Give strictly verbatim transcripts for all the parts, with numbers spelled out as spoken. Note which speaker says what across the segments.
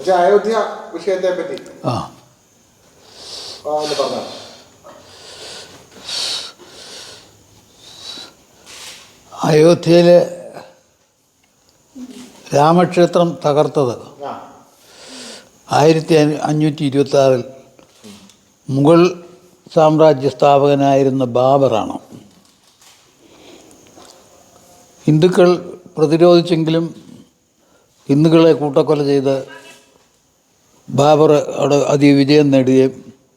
Speaker 1: പക്ഷെ അയോധ്യ വിഷയത്തെ പറ്റി
Speaker 2: ആ
Speaker 1: ഒന്ന് പറഞ്ഞോ.
Speaker 2: അയോധ്യയിലെ രാമക്ഷേത്രം തകർത്തത് ആയിരത്തി അഞ്ഞൂറ്റി ഇരുപത്തി ആറിൽ മുഗൾ സാമ്രാജ്യ സ്ഥാപകനായിരുന്ന ബാബറാണ്. ഹിന്ദുക്കൾ പ്രതിരോധിച്ചെങ്കിലും ഹിന്ദുക്കളെ കൂട്ടക്കൊല ചെയ്ത് ബാബർ അവിടെ അതിവിജയം നേടുകയും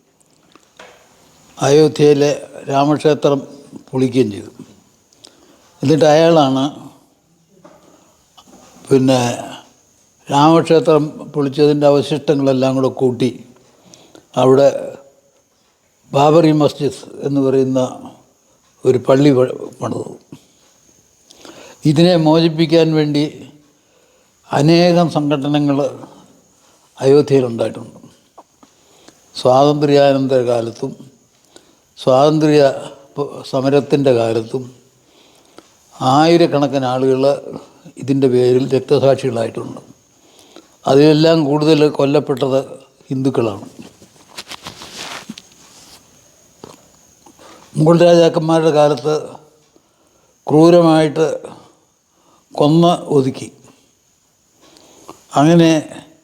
Speaker 2: അയോധ്യയിലെ രാമക്ഷേത്രം പൊളിക്കുകയും ചെയ്തു. എന്നിട്ട് അയാളാണ് പിന്നെ രാമക്ഷേത്രം പൊളിച്ചതിൻ്റെ അവശിഷ്ടങ്ങളെല്ലാം കൂടെ കൂട്ടി അവിടെ ബാബറി മസ്ജിദ് എന്ന് പറയുന്ന ഒരു പള്ളി പണിതു. ഇതിനെ മോചിപ്പിക്കാൻ വേണ്ടി അനേകം സംഘടനകൾ അയോധ്യയിലുണ്ടായിട്ടുണ്ട്. സ്വാതന്ത്ര്യാനന്തര കാലത്തും സ്വാതന്ത്ര്യ സമരത്തിൻ്റെ കാലത്തും ആയിരക്കണക്കിന് ആളുകൾ ഇതിൻ്റെ പേരിൽ രക്തസാക്ഷികളായിട്ടുണ്ട്. അതിലെല്ലാം കൂടുതൽ കൊല്ലപ്പെട്ടത് ഹിന്ദുക്കളാണ്. മുഗൾ രാജാക്കന്മാരുടെ കാലത്ത് ക്രൂരമായിട്ട് കൊന്ന് ഒതുക്കി. അങ്ങനെ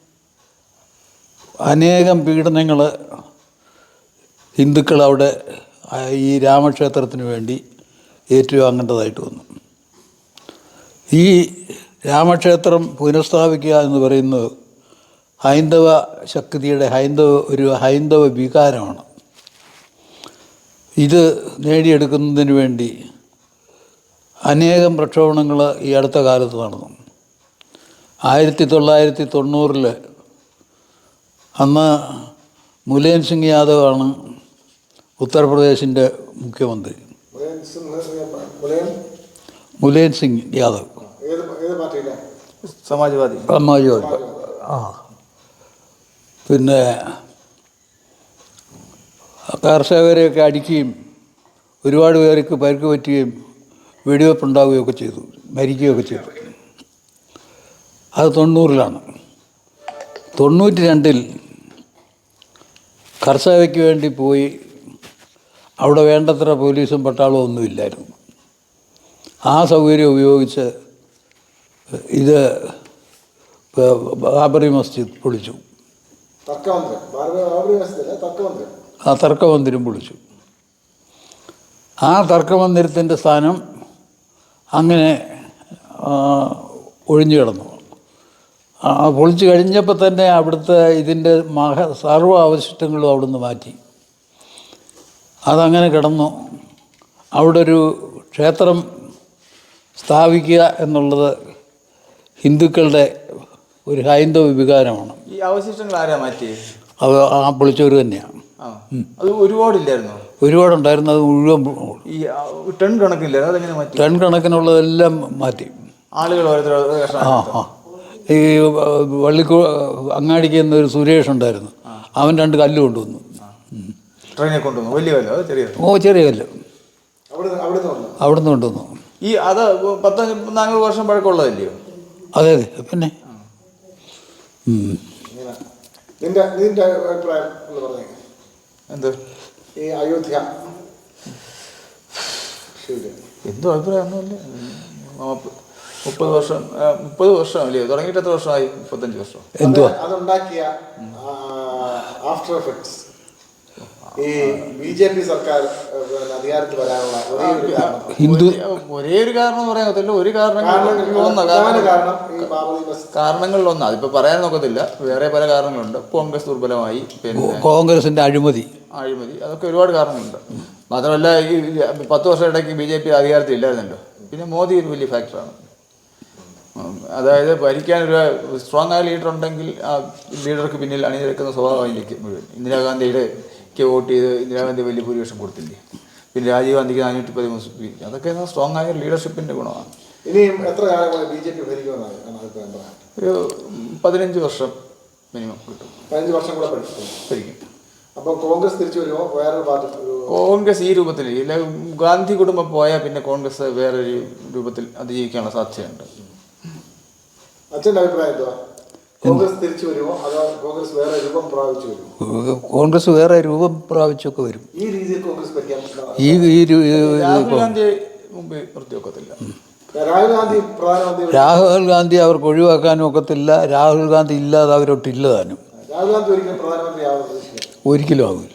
Speaker 2: അനേകം പീഡനങ്ങൾ ഹിന്ദുക്കൾ അവിടെ ഈ രാമക്ഷേത്രത്തിന് വേണ്ടി ഏറ്റുവാങ്ങേണ്ടതായിട്ട് വന്നു. ഈ രാമക്ഷേത്രം പുനഃസ്ഥാപിക്കുക എന്ന് പറയുന്നത് ഹൈന്ദവ ശക്തിയുടെ ഹൈന്ദവ ഒരു ഹൈന്ദവ വികാരമാണ്. ഇത് നേടിയെടുക്കുന്നതിന് വേണ്ടി അനേകം പ്രക്ഷോഭണങ്ങൾ ഈ അടുത്ത കാലത്ത് നടന്നു. ആയിരത്തി തൊള്ളായിരത്തി തൊണ്ണൂറിൽ അന്ന് മുലായം സിംഗ് യാദവാണ് ഉത്തർപ്രദേശിൻ്റെ മുഖ്യമന്ത്രി. മുലായം സിംഗ് യാദവ്
Speaker 3: സമാജ്വാദി
Speaker 2: സമാജ്വാദി ആ പിന്നെ കർഷകരെയൊക്കെ അടിക്കുകയും ഒരുപാട് പേർക്ക് പരിക്ക് പറ്റുകയും വെടിവെപ്പ് ഉണ്ടാവുകയൊക്കെ ചെയ്തു, മരിക്കുകയൊക്കെ ചെയ്തു. അത് തൊണ്ണൂറിലാണ്. തൊണ്ണൂറ്റി രണ്ടിൽ കർഷകയ്ക്ക് വേണ്ടി പോയി. അവിടെ വേണ്ടത്ര പോലീസും പട്ടാളവും ഒന്നുമില്ലായിരുന്നു. ആ സൗകര്യം ഉപയോഗിച്ച് ഇത് ബാബറി മസ്ജിദ് പൊളിച്ചു. ആ തർക്കമന്ദിരം പൊളിച്ചു. ആ തർക്കമന്ദിരത്തിൻ്റെ സ്ഥാനം അങ്ങനെ ഒഴിഞ്ഞു കിടന്നു. പൊളിച്ചു കഴിഞ്ഞപ്പോൾ തന്നെ അവിടുത്തെ ഇതിൻ്റെ മഹ സർവ്വ അവശിഷ്ടങ്ങളും അവിടുന്ന് മാറ്റി. അതങ്ങനെ കിടന്നു. അവിടെ ഒരു ക്ഷേത്രം സ്ഥാപിക്കുക എന്നുള്ളത് ഹിന്ദുക്കളുടെ ഒരു ഹൈന്ദവ വികാരമാണ്.
Speaker 3: ഈ അവശിഷ്ടങ്ങൾ ആരാ മാറ്റി?
Speaker 2: അത് ആ പൊളിച്ചവർ തന്നെയാണ്.
Speaker 3: അത് ഒരുപാടില്ലായിരുന്നു.
Speaker 2: ഒരുപാടുണ്ടായിരുന്നു. അത് മുഴുവൻ
Speaker 3: ഈ ടൺ കണക്കില്ലായിരുന്നു. അതെങ്ങനെ മാറ്റി?
Speaker 2: ടൺ കണക്കിനുള്ളതെല്ലാം മാറ്റി.
Speaker 3: ആളുകൾ
Speaker 2: ആ ആ ഈ വള്ളിക്കോ അങ്ങാടിക്ക് എന്നൊരു സുരേഷ് ഉണ്ടായിരുന്നു. അവൻ രണ്ട് കല്ല് കൊണ്ടുവന്നു.
Speaker 3: ട്രെയിനെ കൊണ്ടുവന്നു. വലിയ കല്ലോ ചെറിയ?
Speaker 2: ഓ ചെറിയ കല്ല് അവിടുന്ന് കൊണ്ടുവന്നു.
Speaker 3: ഈ അത് പത്ത് നാനൂറ് വർഷം പഴക്കമുള്ളതല്ലയോ?
Speaker 2: അതെ അതെ. പിന്നെ
Speaker 3: എന്ത്
Speaker 1: ഈ അയോധ്യ
Speaker 3: എന്തോ അഭിപ്രായം ഒന്നുമില്ല. മുപ്പത് വർഷം മുപ്പത് വർഷം അല്ലയോ തുടങ്ങിയിട്ട്? എത്ര വർഷമായി? മുപ്പത്തഞ്ച് വർഷം.
Speaker 2: എന്തോ
Speaker 1: അതുണ്ടാക്കിയ ആഫ്റ്റർ എഫക്ട്സ് ഈ ബി ജെ പി സർക്കാർ അധികാരത്തിൽ വരാനുള്ള
Speaker 2: ഹിന്ദു
Speaker 3: ഒരേ ഒരു കാരണം പറയാൻ പറ്റില്ല. ഒരു കാരണങ്ങളിൽ ഒന്ന് അതിപ്പോൾ പറയാൻ നോക്കത്തില്ല. വേറെ പല കാരണങ്ങളുണ്ട്. കോൺഗ്രസ് ദുർബലമായി, പിന്നെ
Speaker 2: കോൺഗ്രസിൻ്റെ അഴിമതി
Speaker 3: അഴിമതി അതൊക്കെ ഒരുപാട് കാരണങ്ങളുണ്ട്. മാത്രമല്ല ഈ പത്ത് വർഷം ഇടയ്ക്ക് ബി ജെ പി അധികാരത്തിൽ ഇല്ലായിരുന്നല്ലോ. പിന്നെ മോദി ഒരു വലിയ ഫാക്ടറാണ്. അതായത് ഭരിക്കാനൊരു സ്ട്രോങ് ആയ ലീഡർ ഉണ്ടെങ്കിൽ ആ ലീഡർക്ക് പിന്നിൽ അണിനിരക്കുന്ന സ്വഭാവമായിരിക്കും മുഴുവൻ. ഇന്ദിരാഗാന്ധിയുടെ വോട്ട് ചെയ്ത് ഇന്ദിരാഗാന്ധി വലിയ ഭൂരിപക്ഷം കൊടുത്തില്ലേ. പിന്നെ രാജീവ് ഗാന്ധിക്ക് നാനൂറ്റി പതിമൂന്ന് സീറ്റ്. അതൊക്കെ സ്ട്രോങ് ആയ ലീഡർഷിപ്പിൻ്റെ ഗുണമാണ്.
Speaker 1: ഇനിയും എത്ര കാലം ബി ജെ പി ഭരിക്കുമെന്നാണ്?
Speaker 3: ഒരു പതിനഞ്ച് വർഷം മിനിമം കിട്ടും.
Speaker 1: പതിനഞ്ച് വർഷം കൂടെ ഭരിക്കും. അപ്പോൾ കോൺഗ്രസ് തിരിച്ചു വരുമോ? വേറൊരു പാർട്ടി?
Speaker 3: കോൺഗ്രസ് ഈ രൂപത്തിൽ ഇല്ല. ഗാന്ധി കുടുംബം പോയാൽ പിന്നെ കോൺഗ്രസ് വേറൊരു രൂപത്തിൽ അതിജീവിക്കാനുള്ള സാധ്യതയുണ്ട്.
Speaker 1: അച്ഛൻ്റെ അഭിപ്രായം എന്തുവാ? കോൺഗ്രസ് തിരിച്ചു വരുമോ അതോ കോൺഗ്രസ് വേറെ രൂപം പ്രാപിച്ചു വരുമോ?
Speaker 2: കോൺഗ്രസ് വേറെ രൂപം പ്രാപിച്ചൊക്കെ വരും.
Speaker 1: ഈ രീതിയിൽ കോൺഗ്രസ് ഭരിക്കാൻ പറ്റില്ല.
Speaker 2: ഈ ഈ രു-
Speaker 3: രാഹുൽ ഗാന്ധി മുമ്പ് നിർത്തിവെക്കത്തില്ല.
Speaker 1: രാഹുൽ ഗാന്ധി പ്രധാനമന്ത്രി.
Speaker 2: രാഹുൽ ഗാന്ധി അവർക്ക് ഒഴിവാക്കാനും ഒക്കത്തില്ല. രാഹുൽ ഗാന്ധി ഇല്ലാതെ അവരൊട്ടില്ല താനും.
Speaker 1: രാഹുൽ ഗാന്ധി ഒരിക്കലും പ്രധാനമന്ത്രി ആവാൻ പ്രതീക്ഷിക്കില്ല.
Speaker 2: ഒരിക്കലും ആവില്ല.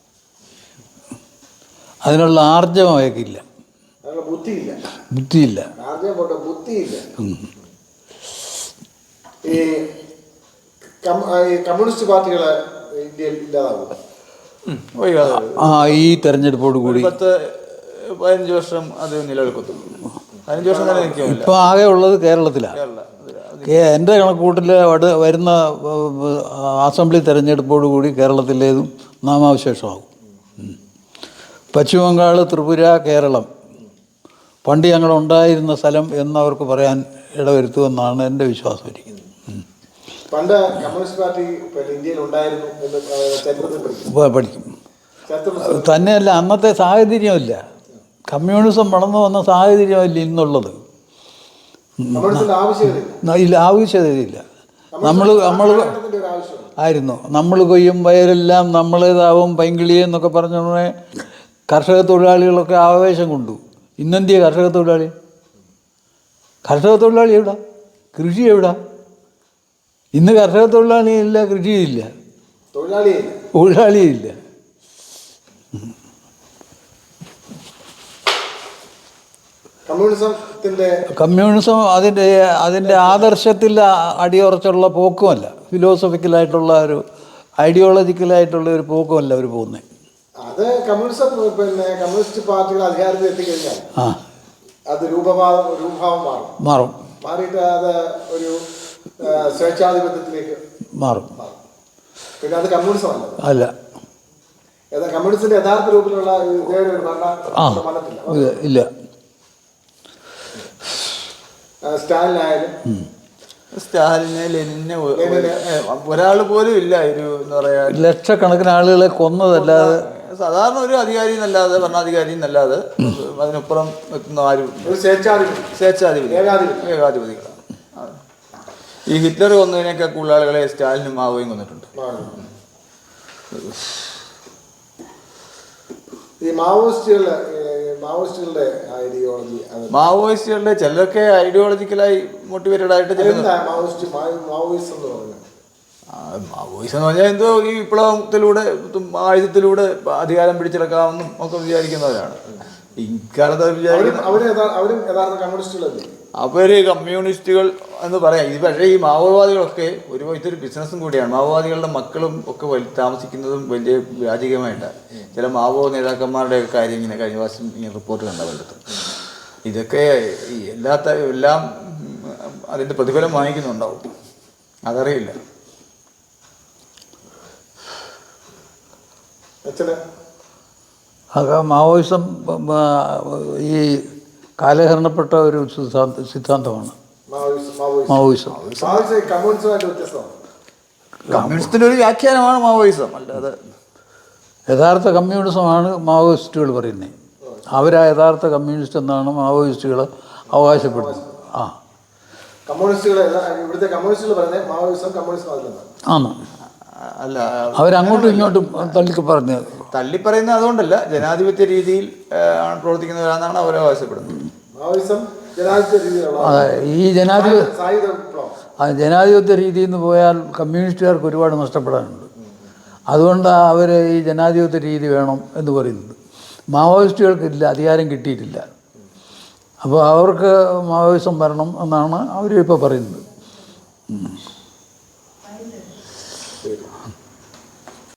Speaker 2: അതിനുള്ള ആർജവം അയക്കില്ല,
Speaker 1: അതിനുള്ള ബുദ്ധിയില്ല.
Speaker 2: ബുദ്ധിയില്ല.
Speaker 1: ആർജവം പോട്ടെ, ബുദ്ധിയില്ല. ഈ കം- ഈ കമ്മ്യൂണിസ്റ്റ് പാർട്ടികളെ ഇന്ത്യയിൽ ഇല്ലാതാവും.
Speaker 2: ആ ഈ തെരഞ്ഞെടുപ്പോട് കൂടി
Speaker 3: പത്ത് പതിനഞ്ച് വർഷം അത് നിലനിൽക്കത്തുള്ളൂ. പതിനഞ്ച് വർഷം തന്നെ നിൽക്കില്ല.
Speaker 2: ഇപ്പം ആകെ ഉള്ളത് കേരളത്തിലാണ്. കേ- എൻ്റെ കണക്കൂട്ടിൽ വട് വരുന്ന അസംബ്ലി തെരഞ്ഞെടുപ്പോട് കൂടി കേരളത്തിലേതും നാമാവശേഷമാകും. പശ്ചിമ ബംഗാൾ, ത്രിപുര, കേരളം പണ്ട് ഞങ്ങളുണ്ടായിരുന്ന സ്ഥലം എന്നവർക്ക് പറയാൻ ഇടവരുത്തുമെന്നാണ് എൻ്റെ വിശ്വാസം ഇരിക്കുന്നത്.
Speaker 1: പണ്ട് കമ്മ്യൂണിസ്റ്റ് പാർട്ടി പിന്നെ ഇന്ത്യയിൽ ഉണ്ടായിരുന്നു എന്ന് ചരിത്രത്തിൽ പഠിക്കും.
Speaker 2: ഇപ്പോൾ പഠിക്കും.
Speaker 1: ചരിത്ര
Speaker 2: തന്നെയല്ല, അന്നത്തെ സാഹചര്യമില്ല. കമ്മ്യൂണിസം വളർന്നു വന്ന സാഹചര്യമല്ല ഇന്നുള്ളത്.
Speaker 1: കമ്മ്യൂണിസ്റ്റിന്റെ ആവശ്യമില്ല.
Speaker 2: ഇല്ല, ആവശ്യതയില്ല. നമ്മൾ നമ്മൾ
Speaker 1: കാലഘട്ടത്തിന്റെ ഒരു ആവശ്യമാണ്.
Speaker 2: ആയിരുന്നു നമ്മൾ കൊയ്യും വയലെല്ലാം നമ്മളേതാവും പൈങ്കിളിയെ എന്നൊക്കെ പറഞ്ഞ കർഷക തൊഴിലാളികളൊക്കെ ആവേശം കൊണ്ടു. ഇന്നെന്തിയ കർഷക തൊഴിലാളി? കർഷക തൊഴിലാളി എവിടാ? കൃഷി എവിടാ? ഇന്ന് കർഷക തൊഴിലാളിയില്ല, കൃഷിയില്ല,
Speaker 1: തൊഴിലാളിയില്ല,
Speaker 2: തൊഴിലാളിയില്ല.
Speaker 1: കമ്മ്യൂണിസത്തിന്റെ
Speaker 2: കമ്മ്യൂണിസം അതിൻ്റെ അതിൻ്റെ ആദർശത്തിൽ അടിയുറച്ചുള്ള പോക്കുമല്ല, ഫിലോസഫിക്കലായിട്ടുള്ള ഒരു ഐഡിയോളജിക്കലായിട്ടുള്ള ഒരു പോക്കുമല്ല അവർ പോകുന്നത്.
Speaker 1: അത് കമ്മ്യൂണിസം പിന്നെ കമ്മ്യൂണിസ്റ്റ് പാർട്ടികൾ അധികാരത്തിൽ എത്തിക്കഴിഞ്ഞാൽ
Speaker 2: ആ
Speaker 1: അത് രൂപഭാവം രൂപഭാവം മാറും
Speaker 2: മാറും
Speaker 1: മാറിയിട്ട് അത് ഒരു ആ, സ്വേച്ഛാധിപത്യത്തിലേക്ക്
Speaker 2: മാറും
Speaker 1: മാറും. പിന്നെ അത് കമ്മ്യൂണിസം അല്ല.
Speaker 2: അല്ല.
Speaker 1: ഏതാ കമ്മ്യൂണിസ്റ്റിന്റെ യഥാർത്ഥ രൂപത്തിലുള്ള ഇതേ ഒരു ഭരണ
Speaker 2: ആ
Speaker 1: മതത്തില്ല.
Speaker 2: ഇല്ല ഇല്ല.
Speaker 1: സ്റ്റാലിനായാലും
Speaker 3: സ്റ്റാലിനെ ലെനിനെ ഒരാൾ പോലും ഇല്ല ഒരു എന്താ പറയാ
Speaker 2: ലക്ഷക്കണക്കിന് ആളുകളെ കൊന്നതല്ലാതെ
Speaker 3: സാധാരണ ഒരു അധികാരി എന്നല്ലാതെ ഭരണാധികാരി എന്നല്ലാതെ അതിനപ്പുറം എത്തുന്ന ആരും
Speaker 1: ഒരു സ്വേച്ഛാധിപത്യം,
Speaker 3: സ്വേച്ഛാധിപതി
Speaker 1: ഏകാധിപത്യം.
Speaker 3: ഏകാധിപതികളാണ്. ഈ ഹിറ്റ്ലർ കൊന്നതിനൊക്കെ കൂടുതൽ ആളുകളെ സ്റ്റാലിനും മാവോയും കൊന്നിട്ടുണ്ട്.
Speaker 1: ഈ മാവോയിസ്റ്റുകളുടെ മാവോയിസ്റ്റുകളുടെ ഐഡിയോളജി
Speaker 3: മാവോയിസ്റ്റുകളുടെ ചിലരൊക്കെ ഐഡിയോളജിക്കലായി മോട്ടിവേറ്റഡ് ആയിട്ട് ചില
Speaker 1: മാവോയിസ്റ്റ് മാവോയിസം എന്ന് പറയുന്നത്
Speaker 3: മാവോയിസം എന്ന് പറഞ്ഞാൽ എന്തോ ഈ വിപ്ലവത്തിലൂടെ ആയുധത്തിലൂടെ അധികാരം പിടിച്ചെടുക്കാമെന്നും ഒക്കെ വിചാരിക്കുന്നവരാണ്. ഇക്കാലത്ത് വിചാരിക്കുന്ന
Speaker 1: അവര് അവരും യഥാർത്ഥ കമ്മ്യൂണിസ്റ്റുകളല്ലേ?
Speaker 3: അവര് കമ്മ്യൂണിസ്റ്റുകൾ എന്ന് പറയാം. ഇത് പക്ഷേ ഈ മാവോവാദികളൊക്കെ ഒരു ഇതൊരു ബിസിനസ്സും കൂടിയാണ്. മാവോവാദികളുടെ മക്കളും ഒക്കെ വലി താമസിക്കുന്നതും വലിയ വ്യാജികമായിട്ടാണ്. ചില മാവോ നേതാക്കന്മാരുടെ കാര്യം ഇങ്ങനെ കഴിഞ്ഞ പ്രാവശ്യം ഇങ്ങനെ റിപ്പോർട്ട് കണ്ട വല്ലതും. ഇതൊക്കെ ഈ എല്ലാത്ത എല്ലാം അതിൻ്റെ പ്രതിഫലം വാങ്ങിക്കുന്നുണ്ടാവും, അതറിയില്ല.
Speaker 2: അത് മാവോയിസം ഈ കാലഹരണപ്പെട്ട ഒരു സിദ്ധാന്ത സിദ്ധാന്തമാണ് മാവോയിസം.
Speaker 3: കമ്മ്യൂണിസത്തിന്റെ ഒരു വ്യാഖ്യാനമാണ് മാവോയിസം, അല്ലാതെ
Speaker 2: യഥാർത്ഥ കമ്മ്യൂണിസമാണ് മാവോയിസ്റ്റുകൾ പറയുന്നത്. അവരാ യഥാർത്ഥ കമ്മ്യൂണിസ്റ്റ് എന്നാണ് മാവോയിസ്റ്റുകൾ അവകാശപ്പെടുന്നത്. ആ
Speaker 1: കമ്മ്യൂണിസ്റ്റുകളെ ഇവിടുത്തെ കമ്മ്യൂണിസ്റ്റുകൾ പറയുന്നത് മാവോയിസം കമ്മ്യൂണിസം
Speaker 2: ആണ്.
Speaker 3: അല്ല,
Speaker 2: അവരങ്ങോട്ടും ഇങ്ങോട്ടും തള്ളിക്ക് പറഞ്ഞത്
Speaker 3: തള്ളിപ്പറയുന്നത് അതുകൊണ്ടല്ല, ജനാധിപത്യ രീതിയിൽ ആണ് പ്രവർത്തിക്കുന്നവരാണെന്നാണ് അവർ അവകാശപ്പെടുന്നത്.
Speaker 1: മാവോയിസം ജനാധിപത്യ രീതിയിലുള്ള
Speaker 2: ഈ ജനാധിപത്യ
Speaker 1: സായുധ വിപ്ലവം.
Speaker 2: ആ ജനാധിപത്യ രീതിയിൽ നിന്ന് പോയാൽ കമ്മ്യൂണിസ്റ്റുകാർക്ക് ഒരുപാട് നഷ്ടപ്പെടാനുണ്ട്. അതുകൊണ്ടാണ് അവർ ഈ ജനാധിപത്യ രീതി വേണം എന്ന് പറയുന്നത്. മാവോയിസ്റ്റുകൾക്കില്ല, അധികാരം കിട്ടിയിട്ടില്ല. അപ്പോൾ അവർക്ക് മാവോയിസം വരണം എന്നാണ് അവരിപ്പോൾ പറയുന്നത്.